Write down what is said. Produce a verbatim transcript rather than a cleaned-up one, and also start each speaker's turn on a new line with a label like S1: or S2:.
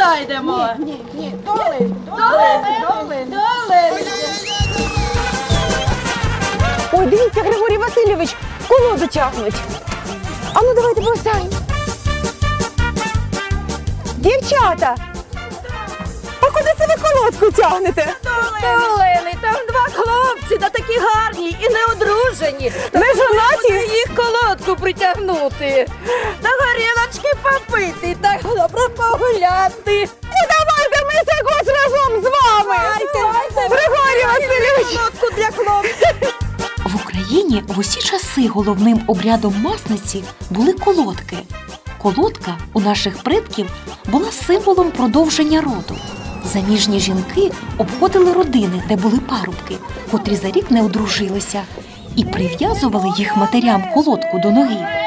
S1: зайдемо.
S2: Ні, ні, долин, долин, долин, долин.
S3: Ой, дивіться, Григорій Васильович, колоду тягнуть. А ну давайте повстанемо. Дівчата, а куди це ви колодку тягнете?
S1: Долини, там два хлопці, та такі гарні і неодружені.
S3: Не жонаті?
S1: Їх колодку притягнути. Та горілочки попити, та добре погуляти.
S3: Ну давайте ми якось разом з вами. Григорій Васильович.
S1: Колодку для хлопців.
S4: В Україні в усі часи головним обрядом масниці були колодки. Колодка у наших предків була символом продовження роду. Заміжні жінки обходили родини, де були парубки, котрі за рік не одружилися, і прив'язували їх матерям колодку до ноги.